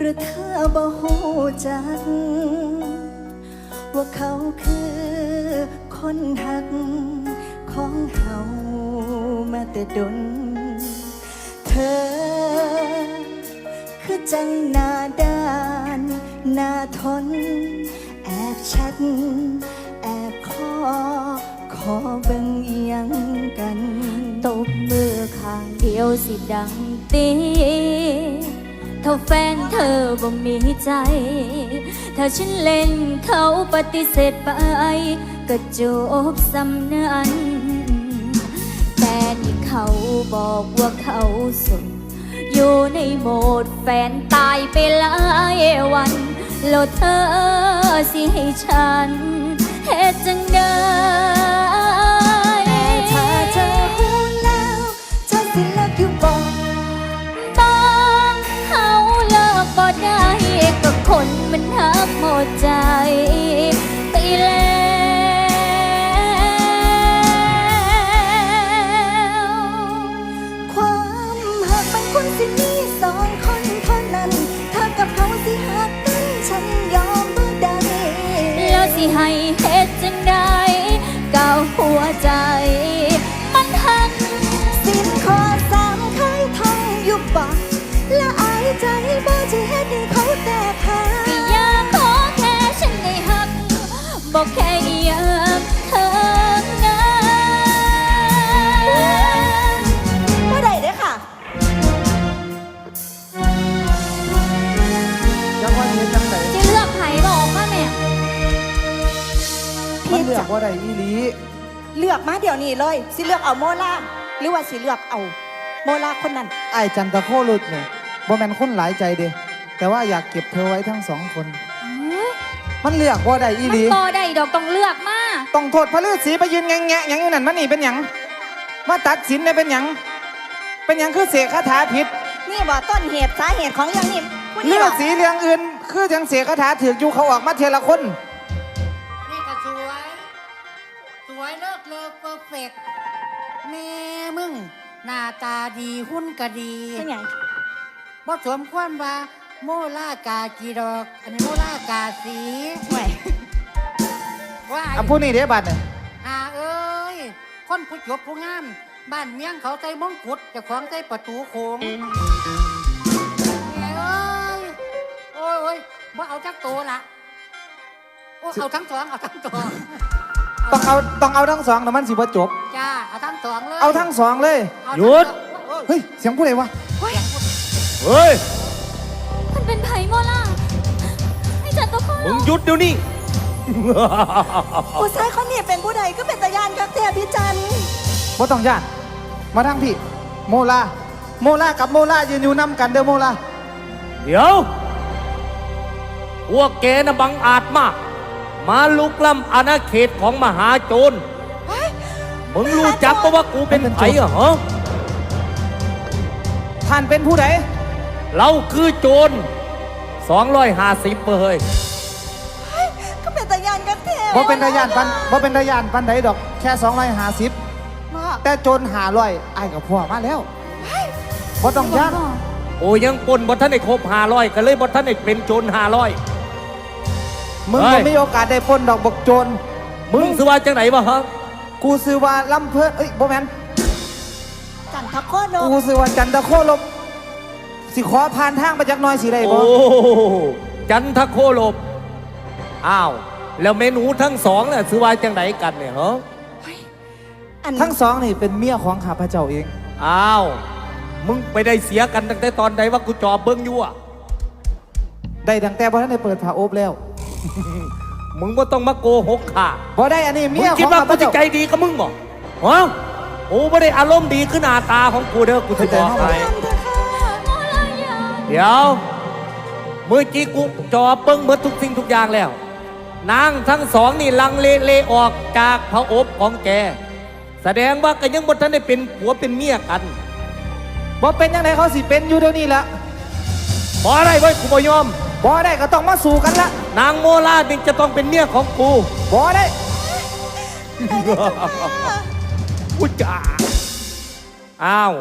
รือเธอบ่ฮู้จักว่าเขาคือคนหักของเฮามาแต่ดนเธอคือจังหน้าด้านหน้าทนแอบแชทแอบขอเบิ่งเอียงกันตบมือข้างเดียวสิดังตีถ้าแฟนเธอบ่มีใจ ถ้าฉันเล่นเขาปฏิเสธไปก็จบสำนันแต่นี่เขาบอกว่าเขาโสดอยู่ในโหมดแฟนตายไปหลายวันแล้วเธอสิให้ฉันเฮ็ดจังใดถ้าเธอฮู้แล้วเธอสิเลิกอยู่บ่ต้องเขาเลิกบ่ได้ก็คนมันหักหมดใจไปแล้วความหักมันควรสิมีสองคนเท่านั้นเธอกับเขาสิหักกันฉันยอมบ่ได้แล้วสิให้เฮ็ดจังใดก้าวหัวใจมันหักสิ้นข้อสามเคยท่องอยู่บ่และอายใจบ่จะเฮ็ดให้เขาแตกหักก็อยากขอแค่ฉันได้หักบอกแค่อยากเธอนะบ่ได้เด้อค่ะยังว่าเฮ็ดจังไดจะเลือกไผบอกมาแม่มันเลือกว่าใดอีหลีเลือกมาเดี๋ยวนี้เลยสิเลือกเอาโมล่าหรือว่าสิเลือกเอาโมล่าคนนั้นไอ้จันตะโคลุดเนี่ยบ่แม่นคนหลายใจเด้แต่ว่าอยากเก็บเธอไว้ทั้งสองคนมันเลือกว่าใดอีหลีมันบ่ได้ดอกต้องเลือกมาต้องโทษพระฤาษีไปยืนแงะหยังอยู่นั่นมันนี่เป็นหยังมาตัดสินได้เป็นหยังคือเสกคาถาผิดนี่บ่ต้นเหตุสาเหตุของอย่างนี้ฤาษีเรื่องอื่นคือจังเสกคาถาถืออยู่เขาออกมาเทละคนนี่ก็สวยเลิศเพอร์เฟกต์แม่มึงหน้าตาดีหุ่นก็ดีเป็นหยังบ่สมควรว่าโมล่ากากีดอกอันนี้โมล่ากาสีห่วยว่าผู้นี้เด้บัดเนี่ยเอ้ยคนผู้จบผู้งามบ้านเมียงเขาใส่มงกุฎเจ้าของใส่ประตูโค้งเอ้ยโอ้ยบ่เอาจักโตละโอ้เอาทั้งสองต้องเอาทั้งสองแต่มันสิบ่จบจ้าเอาทั้งสองเลยเอาทั้งสองเลยหยุดเฮ้ยเสียงผู้ใดวะเฮ้ยมันเป็นไผ่โมล่าไอ้จันตะโคมึงหยุดเดี๋ยวนี้ผู้ชายคนนี้เป็นผู้ใดก็เป็นตายานกับแต่พี่จันบ่ต้องย่านมาทางพี่โมลากับโมลายืนอยู่นำกันเด้อโมลาเดี๋ยวพวกแกน่ะบังอาจมากมาลุกล้ำอาณาเขตของมหาโจรมึงรู้จักปะว่ากูเป็นไผ่เหรอท่านเป็นผู้ใดเราคือโจร250เฮ้ยก็เป็นตายานกับแต่บ่เป็นตายานปันใดดอกแค่250แต่โจร500ไอ้กับพ่อมาแล้วบ่ต้องย่านโอ้ยังปนบ่ท่านได้ครบ500ก็เลยบ่ท่านได้เป็นโจร500 มึงบ่มีโอกาสได้ปล้นดอกบกโจรมึงซื้อว่าจังไหนบ่ฮะกูซื้อว่าลำเพิ่นบ่แม่นจันทโคลบกูซื้อว่าจันทโคลบสิขอผ่านทางไปจักหน่อยสิได้บ่โอ้จันทโคลบอ้าวแล้วเมนูทั้งสองน่ะซื้อว่าจังไหนกันเนี่ยฮะทั้งสองนี่เป็นเมียของข้าพเจ้าเองอ้าวมึงไปได้เสียกันตั้งแต่ตอนใดว่ากูจอบเบิ้งอยู่อ่ะได้ตั้งแต่บ่ทันได้เปิดผ้าอบแล้วมึงก็ต้องมาโกหกข้าบ่ได้อันนี้เมียของมึงคิดว่ากูจะใจดีกับมึงบ่ฮะโอ้บ่ได้อารมณ์ดีขึ้นหน้าตาของกูเด้อกูจะบอกให้เดี๋ยวเมื่อกี้กูจอบเบิ้งหมดทุกสิ่งทุกอย่างแล้วนางทั้งสองนี่ลังเลออกจากพระอบของแกแสดงว่าก็ยังบ่ทันได้เป็นผัวเป็นเมียกันบ่เป็นยังไงเขาสิเป็นอยู่เดี๋ยวนี้ละบ่ได้เว้ยกูบ่ยอมบ่ได้ก็ต้องมาสู้กันละนางโมลาจึงจะต้องเป็นเมียของกูบ่ได้กูจ๋าอ้าว